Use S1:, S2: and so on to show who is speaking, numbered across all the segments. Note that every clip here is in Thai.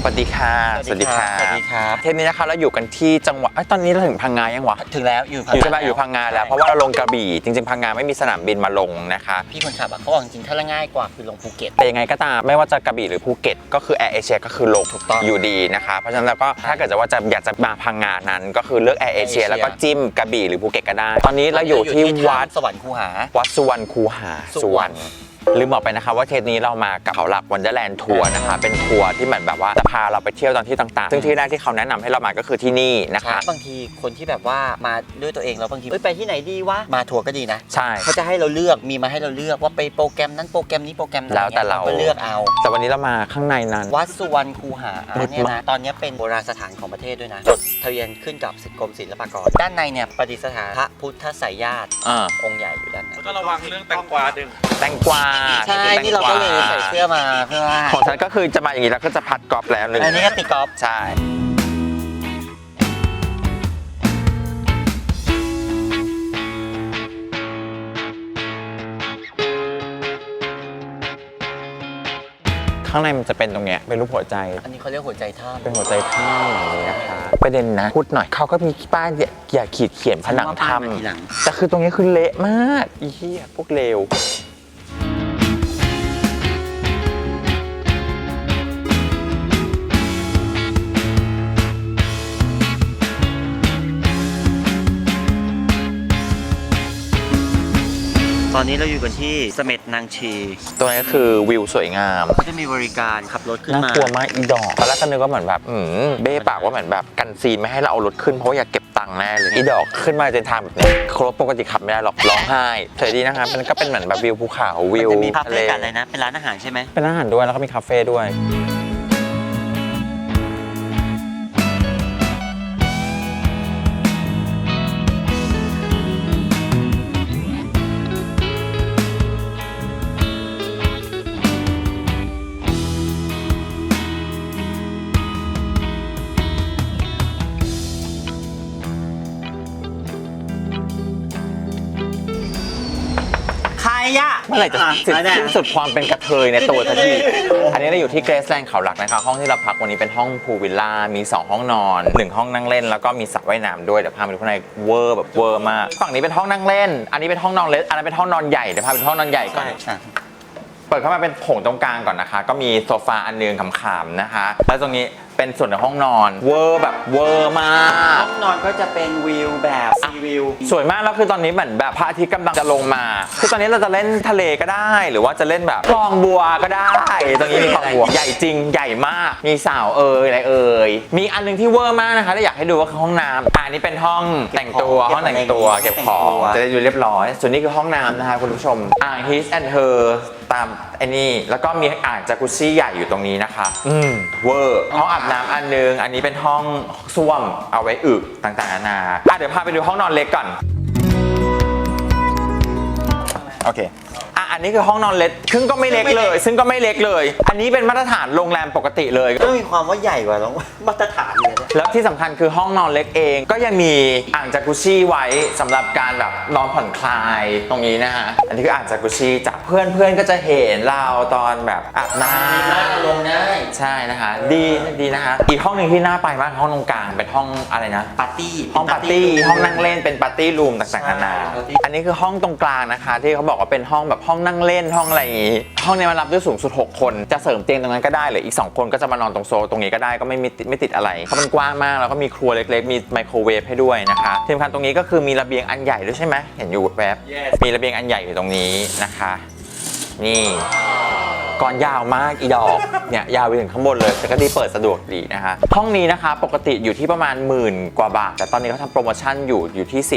S1: วัสดีค่ะ
S2: สวัสดีครับ
S1: เทปนี้นะคะเราอยู่กันที่จังหวัดตอนนี้เราถึงพังงายังวะ
S2: ถึงแล้วอยู่
S1: ใช่ป่ะอยู่พังงาแล้วเพราะว่าเราลงกระบี่จริงๆพังงาไม่มีสนามบินมาลงนะคะ
S2: พี่คนขับเขาบอกจริงๆถ้าง่ายกว่าคือลงภูเก็ต
S1: แต่ยังไงก็ตามไม่ว่าจะกระบี่หรือภูเก็ตก็คือแอร์เอเชียก็คือลงถูกต้องอยู่ดีนะคะเพราะฉะนั้นแล้วก็ถ้าเกิดว่าอยากจะมาพังงานั้นก็คือเลือกแอร์เอเชียแล้วก็จิ้มกระบี่หรือภูเก็ตก็ได้ตอนนี้เราอยู่ที่วัด
S2: สวรรค์คูหา
S1: วัดสุวรรณคูหาสุวรรณลืมบอกไปนะคะว่าเทปนี้เรามากับเขาหลักวันเดอร์แลนด์ทัวร์นะคะเป็นทัวร์ที่เหมือนแบบว่าจะพาเราไปเที่ยวตามที่ต่างๆซึ่งที่แรกที่เขาแนะนำให้เรามาก็คือที่นี่นะคะ
S2: บางทีคนที่แบบว่ามาด้วยตัวเองแล้วบางทีไปที่ไหนดีวะมาทัวร์ก็ดีนะ
S1: ใช่
S2: เขาจะให้เราเลือกมีมาให้เราเลือกว่าไปโปรแกรมนั้นโปรแกรมนี้โปรแกรมนั้น
S1: แล้วแต่เรา
S2: เลือกเอา
S1: แต่วันนี้เรามาข้างในนั้น
S2: วัดสุวรรณคูหาเนี่ยนะตอนนี้เป็นโบราณสถานของประเทศด้วยนะจดทะเบียนขึ้นกับกรมศิลปากรด้านในเนี่ยประดิษฐานพระพุทธไสยญาติองค์ใหญ่อยู่ด้านใน
S3: แล้วก็ระวังเรื่องแตงกวาดึง
S1: แตงกวา
S2: ใช่นี่เราก็เลยใส่เสื้อมาเพื่อว่า
S1: ของฉันก็คือจะมาอย่างนี้แล้วก็จะพัดกอล์ฟแล้วนึง
S2: อันนี้ก็ตีกอล์ฟ
S1: ใช่ข้างในมันจะเป็นตรงเนี้ยเป็นรูปหัวใจ
S2: อันนี้เขาเรียกหัวใจท่า
S1: เป็นหัวใจท่าอย่างนี้นะคะประเด็นนะพูดหน่อยเขาก็มีป้ายอย่าขีดเขียนผนังถ้ำแต่คือตรงนี้คือเละมากอีเหี้ยพวกเลว
S2: ตอนนี้เราอยู่กันที่เสม็ดนางชี
S1: ตรงนี้ก็คือวิวสวยงาม
S2: เขาจะมีบริการขับรถขึ้นมา
S1: น่ากลัวมากอีดอกตอนแรกก็นึกว่าเหมือนแบบเบ้ปากว่าเหมือนแบบกันซีนไม่ให้เราเอารถขึ้นเพราะว่าอยากเก็บตังค์แน่เลยอีดอกขึ้นมาจนทางแบบนี้ครบปกติขับไม่ได้หรอกร้องไห้สวยดีนะคะมันก็เป็นเหมือนแบบวิวภูเขาวิว
S2: มีคาเฟ่กันอะไรนะเป็นร้านอาหารใช่ไหม
S1: เป็นร้านอาหารด้วยแล้วก็มีคาเฟ่ด้วย
S2: ใครอะ
S1: เมื่อไหร่จะสิ้นสุดความเป็นกระเทยในตัวทันทีอันนี้เราอยู่ที่เกรซแลนด์เขาหลักนะคะห้องที่เราพักวันนี้เป็นห้องพูลวิลล่ามี2ห้องนอน1ห้องนั่งเล่นแล้วก็มีสระว่ายน้ำด้วยเดี๋ยวพาไปดูข้างในเวอร์แบบเวอร์มากฝั่งนี้เป็นห้องนั่งเล่นอันนี้เป็นห้องนอนเล็กอันนั้นเป็นห้องนอนใหญ่เดี๋ยวพาไปดูห้องนอนใหญ่ก่อนเปิดเข้ามาเป็นโถงตรงกลางก่อนนะคะก็มีโซฟาอันนึงขำๆนะคะแล้วตรงนี้เป็นส่วนในห้องนอนเวอร์แบบเวอร์มาก
S2: ห้องนอนก็จะเป็นวิวแบบซีวิว
S1: สวยมากแล้วคือตอนนี้เหมือนแบบพระอาทิตย์กำลังจะลงมาคือตอนนี้เราจะเล่นทะเลก็ได้หรือว่าจะเล่นแบบคลองบัวก็ได้ตรงนี้มีคลองบัวใหญ่จริงใหญ่มากมีสาวอะไรมีอันนึงที่เวอร์มากนะคะถ้าอยากให้ดูว่าคือห้องน้ำอันนี้เป็นห้องแต่งตัวห้องแต่งตัวเก็บของจะได้ดูเรียบร้อยส่วนนี้คือห้องน้ำนะคะคุณผู้ชมอ่าง His and Her ตามไอ้นี่แล้วก็มีอ่างจากุซซี่ใหญ่อยู่ตรงนี้นะคะเวอร์ห้องอาบน้ำอันนึงอันนี้เป็นห้องส้วมเอาไว้อึต่างๆนานาเดี๋ยวพาไปดูห้องนอนเล็กก่อนโอเคอันนี้คือห้องนอนเล็กซึ่งก็ไม่เล็กเลยอันนี้เป็นมาตรฐานโรงแรมปกติเลย
S2: ก็มีความว่าใหญ่กว่ามาตรฐานเลย
S1: แล้วที่สำคัญคือห้องนอนเล็กเองก็ยังมีอ่างจากุชี่ไว้สำหรับการแบบนอนผ่อนคลายตรงนี้นะฮะอันนี้คืออ่างจากุชี่จากเพื่อนก็จะเห็นเราตอนแบบอาบน้
S2: ำลงได้
S1: ใช่นะคะดีนะคะอีกห้องหนึ่งที่น่าไปมากห้องตรงกลางเป็นห้องอะไรนะ
S2: ปาร์ตี้
S1: ห้องปาร์ตี้ห้องนั่งเล่นเป็นปาร์ตี้รูมต่างๆนานาอันนี้คือห้องตรงกลางนะคะที่เขาบอกว่าเป็นห้องแบบห้องนั่งเล่นห้องอะไรอย่างงี้ห้องนี้มันรับได้สูงสุด6คนจะเสริมเตียงตรงนั้นก็ได้หรืออีก2คนก็จะมานอนตรงโซนตรงนี้ก็ได้ก็ไม่ติดอะไรเพราะมันกว้างมากแล้วก็มีครัวเล็กๆมีไมโครเวฟให้ด้วยนะคะที่สำคัญตรงนี้ก็คือมีระเบียงอันใหญ่ด้วยใช่ไหมเห็นอยู่แวบมีระเบียงอันใหญ่อยู่ตรงนี้นะคะนี่ก่อนยาวมากอีดอกเนี่ยยาวไปถึงข้างบนเลยแต่ก็ดีเปิดสะดวกดีนะคะห้องนี้นะคะปกติอยู่ที่ประมาณ10,000 กว่าบาทแต่ตอนนี้เขาทำโปรโมชั่นอยู่ที่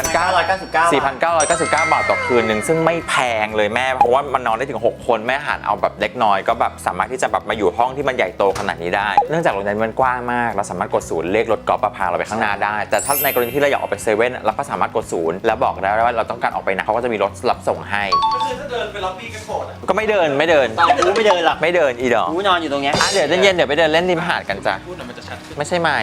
S1: 4,999 บาทต่อคืนนึงซึ่งไม่แพงเลยแม่เพราะว่ามันนอนได้ถึง6คนแม่หารเอาแบบเล็กน้อยก็แบบสามารถที่จะแบบมาอยู่ห้องที่มันใหญ่โตขนาดนี้ได้เนื่องจากโรงแรมมันกว้างมากเราสามารถกดศูนย์เลขรถกอล์ฟพาเราไปข้างหน้าได้แต่ถ้าในกรณีที่เราอยากออกไปเซเว่นเราก็สามารถกดศูนย์แล้วบอกได้ว่าเราต้องการออกไปไหนเขาก็จะมีรถรับส่งให้
S3: ก็คือถ้าเดินไปล็อบบี้ก็โกรธ
S1: ก็ไม่เดิน
S2: ไม่เดินหรอก
S1: ไม่เดินอีดอก
S2: นอนอยู่ตรงนี้
S1: เดี๋ยวเย็นเดี๋ยวไปเดินเล่นริมหาดกันจ้ะไม่ใช่ไม่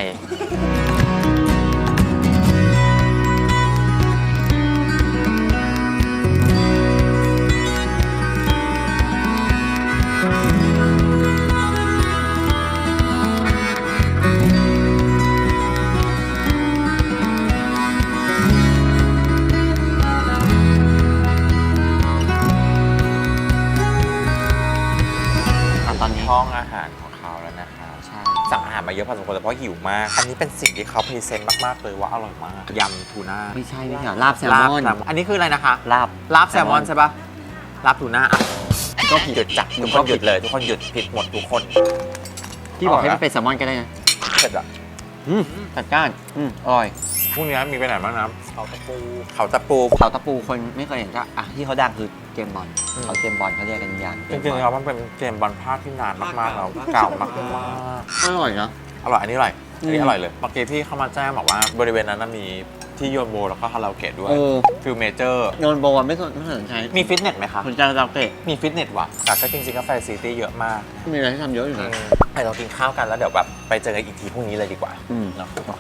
S1: ทุกคนเพราะหิวมาก อันนี้เป็นสิ่งที่เขาพรีเซนต์มากๆเลยว่าอร่อยมากยำทูน่า
S2: ไม่ใช่ไม่ใช่ลาบแซลมอน
S1: อันนี้คืออะไรนะคะ
S2: ลาบ
S1: แซลมอนใช่ปะลาบทูน่าอ่ะก็หยุดจับทุกคนหยุดเลยทุกคนหยุดผิดหมดทุกคน
S2: ที่บอกให้มันเป็นแซลมอนก็ได้นะ
S1: เสร็จอะ
S2: จัดก้านอร่อย
S1: พรุ่งนี้มีไปไหนบ้างนะ
S3: เขาตะปู
S1: เขาตะปู
S2: เขาตะปูคนไม่เคยเห็นจ้ะที่เขาดังคือเกมบอลเขาเกมบอลเขาเรียกกันอย่าง
S1: จริงๆแล้วมันเป็นเกมบอลภาคที่นานมากๆแล้วเก่ามาก
S2: อร่อยเนาะ
S1: ๆอร่อยอันนี้อร่อยอันนี้อร่อยเลยเมื่อกี้พี่เข้ามาแจ้งบอกว่าบริเวณนั้นมีที่โยนโบแล้วก็คาราโอเกะด้วยฟิลเมเจอร์
S2: โยนโบว์ไม่สนใจ
S1: มีฟิตเนสไหมคะ
S2: สนใจคาราโอเกะ
S1: มีฟิตเนสว่ะแต่ก็จริงๆก็แฟซิลิตี้เยอะมาก
S2: มีอะไรให้ทำเยอะอยู่นะ
S1: ไปเรากินข้าวกันแล้วเดี๋ยวแบบไปเจอกันอีกทีพรุ่งนี้เลยดีกว่า
S2: เนาะโอเค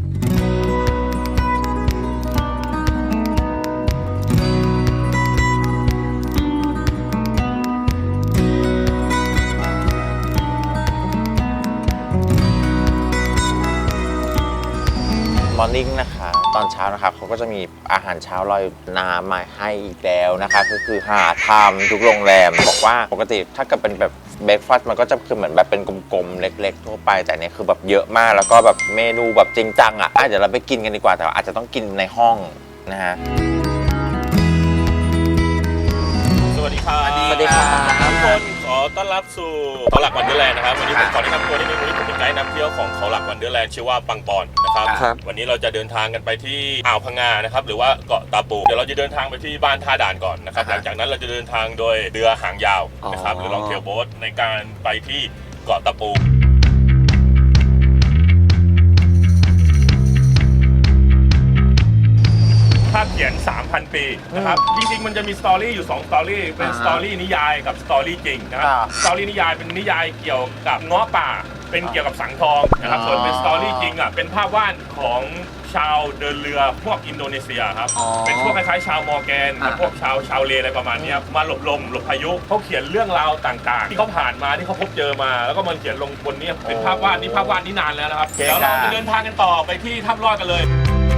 S1: มอร์นิ่งนะคะตอนเช้านะคะเขาก็จะมีอาหารเช้าลอยน้ำมาให้อีกแล้วนะคะก็คือหาทำทุกโรงแรมบอกว่าปกติถ้าเกิดเป็นแบบเบรคฟาสต์มันก็จะคือเหมือนแบบเป็นกลมๆเล็กๆทั่วไปแต่เนี้ยคือแบบเยอะมากแล้วก็แบบเมนูแบบจริงจังอ่ะเดี๋ยวเราไปกินกันดีกว่าแต่อาจจะต้องกินในห้องนะฮะ
S3: สวัสดีครับ
S1: สวัสดีครับ
S3: ทุกคนขอต้อนรับสู่เขาหลักวันเดอร์แลนด์นะครับวันนี้ผมขอแนะนำตัวนิดนึงวันนี้ผมเป็นไกด์นำเที่ยวของเขาหลักวันเดอร์แลนด์ชื่อว่าปังปอนนะครับ
S1: ครับ
S3: วันนี้เราจะเดินทางกันไปที่อ่าวพังงานะครับหรือว่าเกาะตาปูเดี๋ยวเราจะเดินทางไปที่บ้านท่าด่านก่อนนะครับหลังจากนั้นเราจะเดินทางโดยเรือหางยาวนะครับหรือลองเทลโบ๊ทในการไปที่เกาะตาปูภาพเขียน 3,000 ปีนะครับ จริงๆ มันจะมีสตอรี่อยู่ 2 สตอรี่ เป็นสตอรี่นิยายกับสตอรี่จริงนะครับ สตอรี่นิยายเป็นนิยายเกี่ยวกับเงาะป่า เป็นเกี่ยวกับสังทองนะครับ ส่วนเป็นสตอรี่จริงอ่ะ เป็นภาพวาดของชาวเดินเรือพวกอินโดนีเซียครับ เป็นพวกคล้ายๆชาวมอร์แกนกับพวกชาวเลอะไรประมาณนี้มาหลบลมหลบพายุเขาเขียนเรื่องราวต่างๆ ที่เขาผ่านมาที่เขาพบเจอมา แล้วก็มันเขียนลงบนนี้เป็นภาพวาดนี่นานแล้วนะครับ เดี๋ยวเราจะเดินทางกันต่อไปที่ถ้ำลอดกันเลย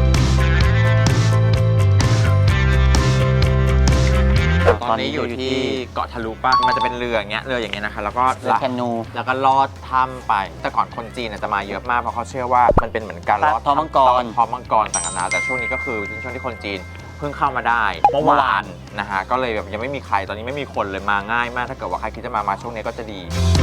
S1: ตอนนี้อยู่ที่เกาะทะลุป่ะมันจะเป็นเรืออย่างเงี้ยนะคะแล้วก็
S2: เรือแคนู
S1: แล้วก็ลอดถ้ำไป แต่ก่อนคนจีนจะมาเยอะมากเพราะเขาเชื่อว่ามันเป็นเหมือนการลอด
S2: ท้องมังกร
S1: ท้องมังกรต่างๆนานาแต่ช่วงนี้ก็คือช่วงที่คนจีนเพิ่งเข้ามาได้เมื่อวานนะฮะก็เลยแบบยังไม่มีใครตอนนี้ไม่มีคนเลยมาง่ายมากถ้าเกิดว่าใครคิดจะมาช่วงนี้ก็จะดี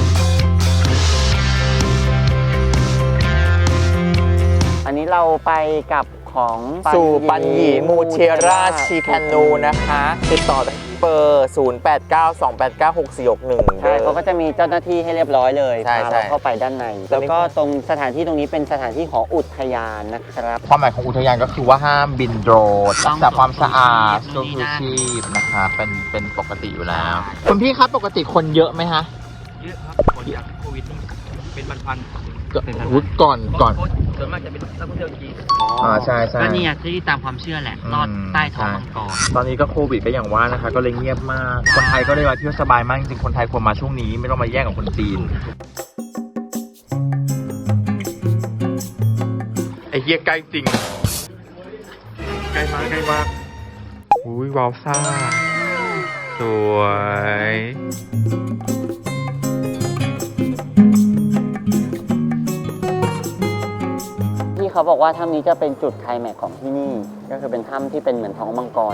S2: อันนี้เราไปกับของ
S1: สู่ปัญญีมูเชราชีแคนูนะคะติดต่อเบอร์ 0892896461
S2: ใช่เขาก็จะมีเจ้าหน้าที่ให้เรียบร้อยเลย
S1: ใช่
S2: พาเราเข้าไปด้านใน แล้วก็ตรงสถานที่ตรงนี้เป็นสถานที่ของอุทยานนะครับ
S1: ความหมายของอุทยานก็คือว่าห้ามบินโดรนรักษาความสะอาด
S2: ต้
S1: ชู
S2: อง
S1: ชีพนะคะเป็นปกติอยู่แล้ว คุณพี่ครับปกติคนเยอะไหมฮะ
S4: เยอะครับก่อนจากโควิดนี่เป็นพัน
S1: ก่อน
S4: ๆส่วนมากจะเป็นนักท่องเที่ยวจีน
S1: ใช่ใช่
S4: ก็นี่ที่ตามความเชื่อแหละ ลอดใต้ท้องมังกร
S1: ตอนนี้ก็โควิดก็อย่างว่านะคะ ก็เลยเงียบมาก คนไทยก็เลยมาเที่ยวสบายมากจริงๆคนไทยควรมาช่วงนี้ไม่ต้องมาแย่งกับคนจีนไอ้เหี้ยใกล้จริงใกล้มากอุ้ยวาวซ่าสวย
S2: ที่เขาบอกว่าถ้ำนี้จะเป็นจุดไคลแม็กซ์ของที่นี่ ก็คือเป็นถ้ำที่เป็นเหมือนท้องมังกร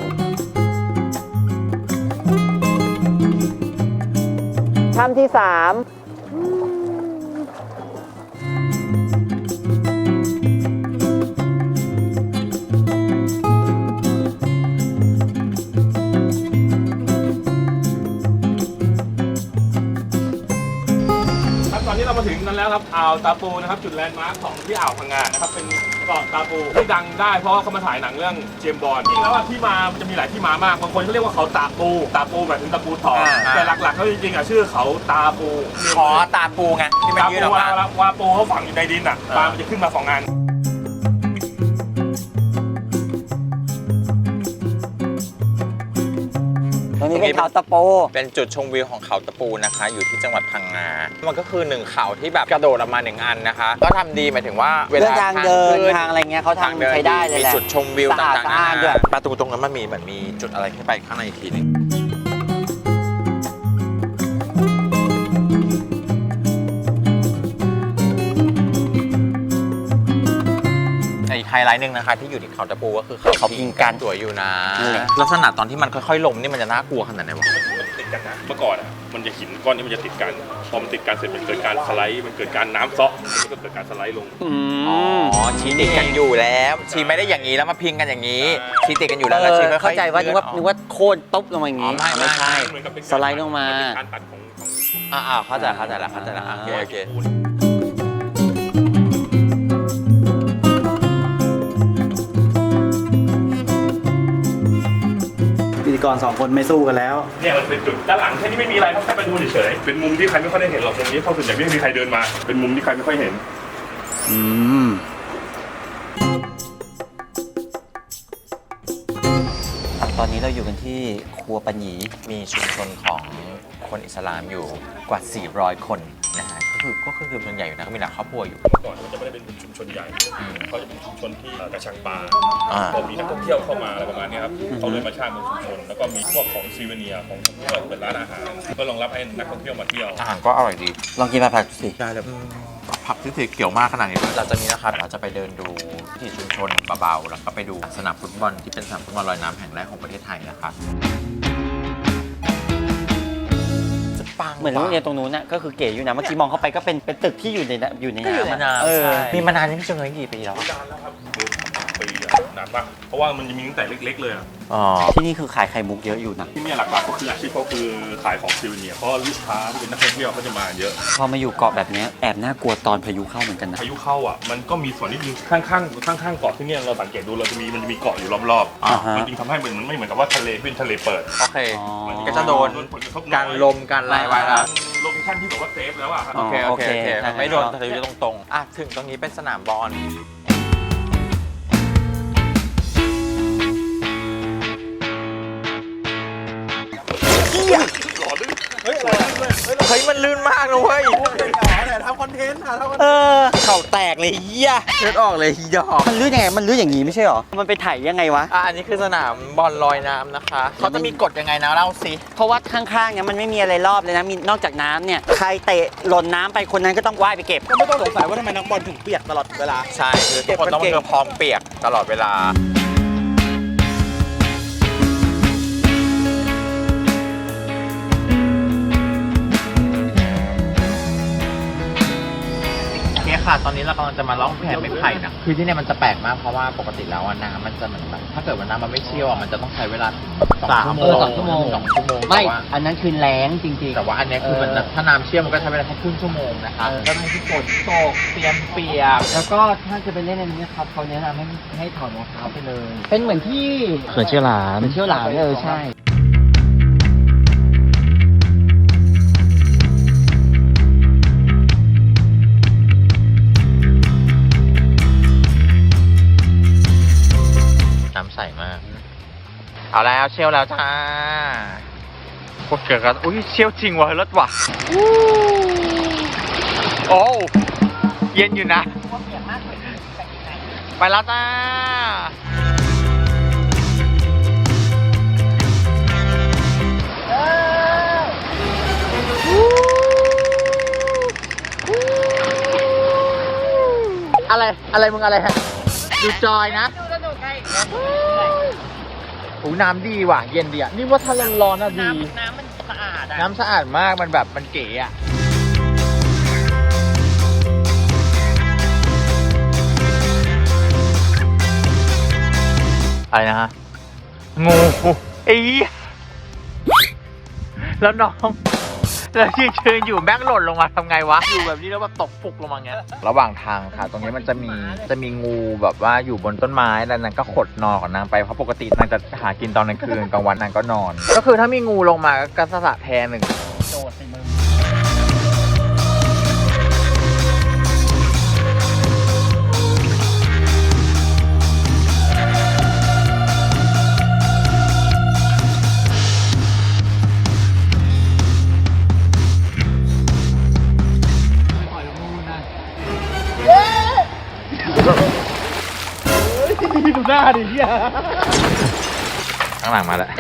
S2: ถ้ำที่ 3
S3: ตอนนี้เรามาถึงกันแล้วครับอ่าวตาปูนะครับจุดแลนด์มาร์คของที่อ่าวพังงานะครับเป็นเกาะตาปูที่ดังได้เพราะว่าเขามาถ่ายหนังเรื่องเจมส์บอนด์จริงแล้วที่มามันจะมีหลายที่มามากบางคนเขาเรียกว่าเขาตาปูหมายถึงตาปูทองแต่หลักๆเขาจริงๆชื่อเขาตาปู
S1: ขอตาปูไงที่มัน
S3: ตา
S1: ยืด
S3: ปู
S1: ออกมา
S3: ว่าปูเขาฝังอยู่ในดินอ่ะปลามันจะขึ้นมา2 อัน
S2: ตรงนี้เป็นเขาตะโป
S1: เป็นจุดชมวิวของเขาตะปูนะคะ อยู่ที่จังหวัดพังงา มันก็คือ1เขาที่แบบกระโดดออกมา1 อันนะคะ ก็ทำดีหมายถึงว่าเว
S2: เรื่อ
S1: ลาง
S2: ทางเดิน
S1: ขึ้
S2: ทางอะไรเงี้ยเขาทำใช้ได้เลย
S1: มี
S2: แหละ
S1: จุดชมวิว
S2: สะอาด
S1: ต่าง
S2: สะอ้าน
S1: ๆ
S2: ด้วย
S1: ประตูตรงนั้นมันมีเหมือนมีจุดอะไรขึ้นไปข้างในอีกทีหนึงไลท์หนึ่งนะคะที่อยู่ที่เขาตะปูก็คือเขาพิงกันสวยอยู่นะ
S2: นั่นแหละ
S1: ลักษณะตอนที่มันค่อยๆลงนี่มันจะน่ากลัวขนาดไหนวะ
S3: มันติดกันนะเมื่อก่อนอ่ะมันจะหินก้อนนี้มันจะติดกันพอมันติดกันเสร็จมันเกิดการสไลด์มันเกิดการน้ำเซาะมันก็เกิดการสไลด์ลง
S1: อ๋อชีติดกันอยู่แล้วชีไม่ได้อย่างนี้แล้วมาพิงกันอย่างนี้ชีติดกันอยู่แล้วแล้วชีค่อยๆ
S2: เข้าใจว่านึกว่า
S1: เลื่อนออก
S2: นึกว่าโค่นตุ๊บลงมาอย่างงี้
S1: อ๋อไม่
S2: ใช่
S3: เหมือนกับเป็น
S2: สไลด์ลงมา
S3: นเป็นการตัดของ
S1: เข้าใจแล้วโอเค
S5: พิธีกร2 คนไม่สู้กันแล้ว
S3: เนี่ยมันเป็นจุดด้านหลังแค่นี้ไม่มีอะไรครับแค่มาดูเฉยๆเป็นมุมที่ใครไม่ค่อยได้เห็นหรอกตรงนี้เพราะส่วนใหญ่ไม่มีใครเดินมาเป็นมุมที่ใครไม่ค่อยเห็น
S5: อืม
S2: ตอนนี้เราอยู่กันที่ครัวปัญญี
S1: มีชุมชนของคนอิสลามอยู่กว่า 400 คนนะฮะก็คือส่วนใหญ่อยู่นะก็มีหลายครอบครัวอยู่
S3: เมื่อก่อนมันจะไม่ได้เป็นชุมชนใหญ่เขาจะเป็นชุมชนที่กระชังปลา พอมีนักท่องเที่ยวเข้ามาอะไรประมาณนี้ครับเขาเลยมาสร้างเป็นชุมชน แล้วก็มีพวกของซีเวเนียของท่องเที่ยวเป็นร้านอาหารเพื่อรองรับให้นักท่องเที่ยวมาเที่ยว
S1: อาหารก็อร่อยดี
S2: ลองกินผักสิ
S1: ได้แล้วผักที่สีเขียวมากขนาดนี้เราจะมีนะครับเราจะไปเดินดูที่ชุมชนเบาๆแล้วก็ไปดูสนามฟุตบอลที่เป็นสนามฟุตบอลลอยน้ำแห่งแรกของประเทศไทยนะครับ
S2: เหมือนโรงเรียนตรงนู้นน่ะก็คือเก๋อยู่นะเมื่อกี้มองเข้าไปก็เป็นตึกที่อยู่ในน้ำ
S1: มีมานานนี่พี่จงเลยกี่ปีแล้ว
S3: นานแล้วครับปีนานปะเพราะว่ามันจะมีตั้งแต่เล็กๆเลยอะ
S1: อ๋อ
S2: ที่นี่คือขายไข่มุกเยอะอยู่นะ
S3: ที่นี่หลักๆก็คืออาชีพเขาคือขายของซีเวเนียเพราะลูกค้าที่เป็นนักท่องเที่ยวเขาจะมาเยอะ
S2: พอมาอยู่เกาะแบบนี้แอบน่ากลัวตอนพายุเข้าเหมือนกันนะ
S3: พายุเข้าอ่ะมันก็มีส่วนนิดนึงข้างๆเกาะที่เนี่ยเราสังเกตดูมันจะมีเกาะอยู่รอบ
S2: อ่าฮะ
S3: มันจึงทำให้มันไม่เหมือนกับว่าทะเลเป็นทะเลเปิด
S1: โอเค
S2: อ๋อ
S1: ก็จะโดน
S3: ผลกระทบ
S1: การลมการอะไรไว้ละ
S3: โลเคชั่นที่แบบว่าเซฟแล้วอ่ะครับ
S1: โอเค
S2: โอเค
S1: ไม่โดนทะเลตรงๆอ่ะถึงตรงนี้เป็นสนามบอลเฮ้ยมันลื่นมากนะเว้ย
S5: ทำคอนเทนต์
S2: เข่าแตกเลยเหี้ย
S1: เลือดออกเลยดอก
S2: มันลื่นยังไงมันลื่นอย่างงี้ไม่ใช่หรอมันไปถ่ายยังไงวะ
S1: อันนี้คือสนามบอลลอยน้ำนะคะเขาจะมีกฎยังไงนะเล่าสิ
S2: เพราะว่าข้างๆเนี่ยมันไม่มีอะไรรอบเลยนะมีนอกจากน้ำเนี่ยใครเตะหล่นน้ำไปคนนั้นก็ต้องว่ายไปเก็บ
S5: ก็ไม่ต้องสงสัยว่าทำไมนักบอลถึงเปียกตลอดเวลา
S1: ใช่คือทุกคนต้องเจอพร้อมเปียกตลอดเวลาโอเคค่ะตอนนี้เรากำลังจะมาล่องแพไม้ไผ่นะคือที่เนี่ยมันจะแปลกมากเพราะว่าปกติแล้วน้ำมันจะเหมือนแบบถ้าเกิดว่าน้ำมันไม่เชี่ยวมันจะต้องใช้เวลา2 ชั่วโมง
S4: 2 ชั่วโมง
S1: 2 ชั่วโมง
S4: ไม่
S1: แต่ว่า
S4: อันนั้นคือแรงจริงๆ
S1: แต่ว่าอันเนี้ยคือมันถ้าน้ำเชี่ยวมันก็ใช้เวลาแค่ครึ่งชั่วโมงนะคะก็ให้ทุกคนตกเตรียมเปียก
S4: แล้วก็ถ้าจะไปเล่นอันนี้ครับเขาแนะนำให้ถอดรองเท้าไปเลย เป็นเหมือนที่
S6: เขื่อนเชี่ยวหลาม
S4: เป็นเชี่ยวหลามใช่
S1: น้ำใสมาก เอาแล้วเชี่ยวแล้วจ้าพวกเกิดกันอุ้ยเชี่ยวจริงว่ะรถว่ะโอ้เย็นอยู่นะ ไปแล้วจ้าอะไรมึงอะไรฮะดูจอยนะโอ้น้ำดีว่ะ เย็นดีอ่ะ นี่ว่าถ้าร้อนๆน่ะดี
S4: น้ำมันสะอาดอ่ะ
S1: น้ำสะอาดมาก มันแบบมันเก๋อ่ะ อะไรนะฮะ งูไอ้เหี้ยแล้วน้องแล้วยืนอยู่แม่งหล่นลงมาทำไงวะ อยู่แบบนี้แล้วแบบตกฟุกลงมาเงี้ย ระหว่างทางค่ะ ตรงนี้มันจะมีงูแบบว่าอยู่บนต้นไม้แล้วนางก็ขดนอนของนางไป เพราะปกตินางจะหากินตอนกลางคืนกลางวันนางก็นอน ก็คือถ้ามีงูลงมาก็สะแทนหนึ่ง
S4: โดดใส่มือ
S5: ดูหน้าดิเฮีย
S1: ข้างหลังมาแล้ว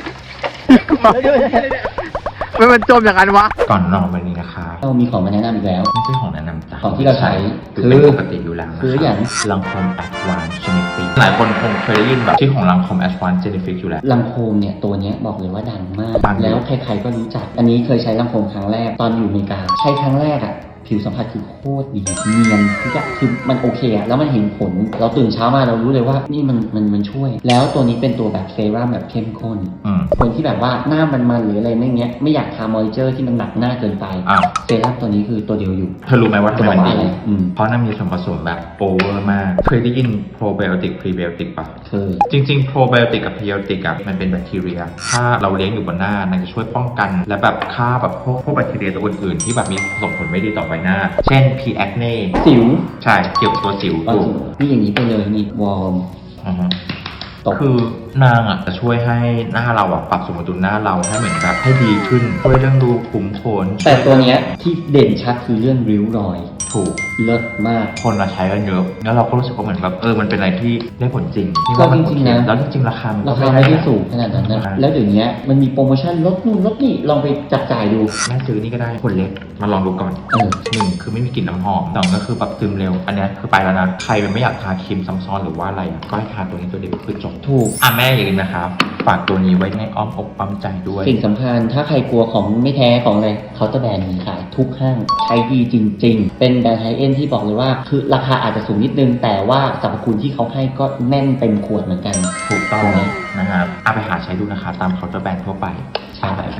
S1: ไม่มันจมอย่างนั้นวะ ก่อนนอนวันนี้นะคะ
S6: เรามีของมาแนะนำอีกแล้ว
S1: ไม่ใช่ของแนะนำจ้ะ
S6: ของที่เราใช้
S1: คือเป็นปกติอยู่แล้ว
S6: คืออย่าง
S1: ลังคมแอดวานซ์ชนิด
S6: ฟรีหลายคนคงเคยได้ยินแบบชื่อของลังคอม Advanced Genifix อยู่แล้ว
S4: ลำโพงเนี่ยตัวเนี้ยบอกเลยว่าดังมาก
S6: ดัง
S4: แล้วใครๆก็รู้จัก อันนี้เคยใช้ลำโพงครั้งแรกตอนอยู่อเมริกาใช้ครั้งแรกอะผิวสัมผัสคือโคตรดีเนียนทุกอย่างคือมันโอเคอะแล้วมันเห็นผลเราตื่นเช้ามาเรารู้เลยว่านี่มันช่วย แล้วตัวนี้เป็นตัวแบบเซรั่มแบบเข้มข้น คนที่แบบว่าหน้ามันหรืออะไรไม่เงี้ยไม่อยากทามอยเจอร์ที่มันหนักหน้าเกินไป
S6: อ้าว
S4: เซรั่มตัวนี้คือตัวเดียวอยู่
S6: เธอรู้ไหมว่าทำไมมันดี
S4: จะบอกว่าอะไร
S6: เพราะนั่นมีส่วนผสมแบบโอเวอร์มาก เคยได้ยินโปรไบโอติกพรีไบโอติกปะ
S4: เคย
S6: จริงๆโปรไบโอติกกับพรีไบโอติกอะมันเป็นแบคทีเรีย ถ้าเราเลี้ยงอยู่บนหน้ามันจะช่วยป้องกัน และแบบฆ่าแบบพวกแบคทีเรียตัวอื่นๆที่แบบมีส่งผลไม่ดีต่อใบหน้า เช่น P. acne
S4: สิว
S6: ใช่ เกี่ยวกับตัวสิว
S4: บาง
S6: ถูก
S4: สิวนี่อย่างนี้ไปเลยนี่วอร์ม
S6: อือฮึ
S4: ตก
S6: คือนางอ่ะจะช่วยให้หน้าเราอ่ะปรับสมดุลหน้าเราให้เหมือนแบบให้ดีขึ้นช่วยเรื่องรูขุมขน
S4: แต่ตัวเนี้ยที่เด่นชัดคือเรื่องริ้วรอย
S6: ถูก
S4: เลิศมาก
S6: คนมาใช้กันเยอะแล้วเราก็รู้สึกว่าเหมือนแบบมันเป็นอะไรที่ได้ผลจริงที่
S4: ก็
S6: ว่ามัน
S4: จริงๆนะ
S6: แล้วจริงๆราคามัน
S4: รา
S6: ก็
S4: คาไม่ได้สูงขนาดนั้นนะ
S6: ใช่
S4: แล้วเดี๋ยวนี้มันมีโปรโมชั่นลดนู่นลดนี่ลองไปจับจ่ายดู
S6: แม่ซื้อนี่ก็ได้คนเล็กมาลองดูก่อน หนึ่งคือไม่มีกลิ่นน้ำหอมสองก็คือแบบซึมเร็ว อันเนี้ยคือไปแล้วนะ ใครเป็นไม่อยากทาครีมซ้ำซ้อนหรือว่าอะไรอะก็ให้ทาตัวนี้ตัวเดียวคือจบ
S4: ถูก
S6: แม่อย่าลืมนะครับฝากตัวนี้ไว้ในอ้อมอกอ้อมใจด้วย
S4: สิ่งสำคัญถ้าใครกลัวของไม่แท้ของอะไรเคาน์เตอร์แบรนด์มีขายทุกห้างใช้ดีจริง ๆ เป็นแบรนด์ไฮเอ็นที่บอกเลยว่าคือราคาอาจจะสูงนิดนึง แต่ว่าสรรพคุณที่เขาให้ก็แน่นเต็มขวดเหมือนกัน
S6: ถูกต้อง
S4: ตรงนี้
S6: นะครับเอาไปหาใช้ดูนะคะตามเคาน์เตอร์แบรนด์ทั่วไป
S4: ใช่
S6: ไปกัน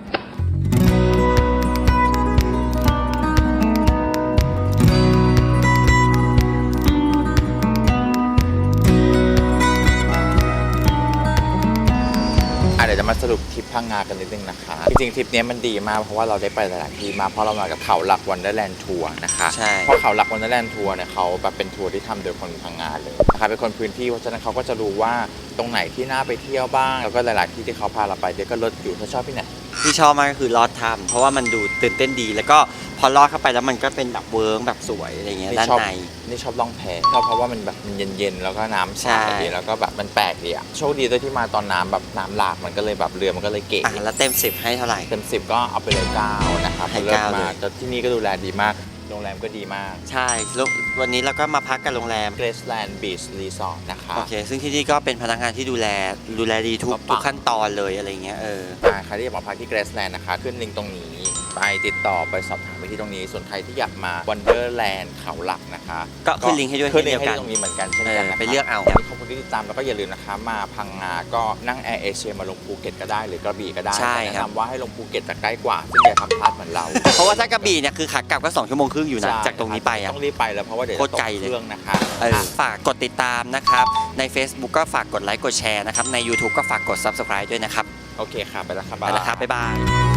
S1: เดี๋ยวจะมาสรุปทริปพังงากันนิดนึงนะคะ จริงๆทริปนี้มันดีมากเพราะว่าเราได้ไปหลายๆที่มาเพราะเรามากับเขาหลักวันเดอร์แลนด์ทัวร์นะคะ
S2: ใช่
S1: เพราะเขาหลักวันเดอร์แลนด์ทัวร์เนี่ยเขาแบบเป็นทัวร์ที่ทำโดยคนพังงาเลยนะคะเป็นคนพื้นที่เพราะฉะนั้นเขาก็จะรู้ว่าตรงไหนที่น่าไปเที่ยวบ้างแล้วก็หลายๆที่ที่เขาพาเราไปเดี๋ยวก็ลดอยู่ถ้าชอบที่ไหน
S2: ที่ชอบมากก็คือลอดถ้ำเพราะว่ามันดูตื่นเต้นดี แล้วก็พอลอดเข้าไปแล้วมันก็เป็นแบบเวิร์กแบบสวยอะไรเงี้ยด้านใน
S1: นี่ชอบล่องแพชอบเพราะว่ามันแบบมันเย็นๆแล้วก็น้ำใส
S2: ใช่
S1: ดีแล้วก็แบบมันแปลกดีอะโชคดีด้วยที่มาตอนน้ำแบบน้ำหลากมันก็เลยแบบเรือมันก็เลยเก๋
S2: แล้วเต็ม 10 ให้เท่าไหร่
S1: เต็ม10ก็เอาไปเลย9นะครับ
S2: ให้
S1: เลิศ
S2: 9
S1: มาก
S2: เลย
S1: แต่ที่นี่ก็ดูแลดีมากโรงแรมก็ดีมาก
S2: ใช่แล้ววันนี้เราก็มาพักกันโรงแรม
S1: Graceland Beach Resort นะคะ
S2: โอเค ซึ่งที่นี่ก็เป็นพนักงานที่ดูแลดีทุกขั้นตอนเลยอะไรเงี้ย
S1: ใครที่อยากมาพักที่ Graceland นะคะขึ้นลิงก์ตรงนี้ไปติดต่อไปสอบถามไปที่ตรงนี้ส่วนใครที่อยากมา Wonderland เขาหลักนะคะ
S2: ก็ขึ้นลิงก์ให้ด้วย
S1: ขึ้นลิง
S2: เช่น
S1: ก์
S2: เดียวกัน
S1: ให้ตรงนี้เหมือนกันเช่นกันนะคะ
S2: ไปเลือกเอา
S1: วันนี้ขอบคุณที่ติดตามแล้วก็อย่าลืมนะคะมาพังงาก็นั่งแอร์เอเชียมาลงภูเก็ตก็ได้หรือกระบี่ก็ได้
S2: ใช่
S1: แต่
S2: ครับ
S1: แนะนำว่าให้ลงภูเก็ตจะใกล้กว่าซึ่งอย่าทำพลาดเหมือนเรา
S2: เพราะว่าถ้ากระบี่เนี่ยคือขากลับก็2 ชั่วโมงครึ่งอยู่นะ
S1: ใช่
S2: จากตรงนี้ไปอ่ะ
S1: ต้องรีบไปแล้วเพราะว่าเดี๋ยว
S2: โค
S1: จะ
S2: ตร
S1: ตก
S2: ไกลเลย
S1: เครื่องนะคะ
S2: ฝากกดติดตามนะครับใน Facebook ก็ฝากกดไลค์กดแชร์นะครับใน YouTube ก็ฝากกด Subscribe ด้วยนะครับ
S1: โอเคค่ะไปแล้วครับ
S2: ไปแล้วครับบ๊ายบาย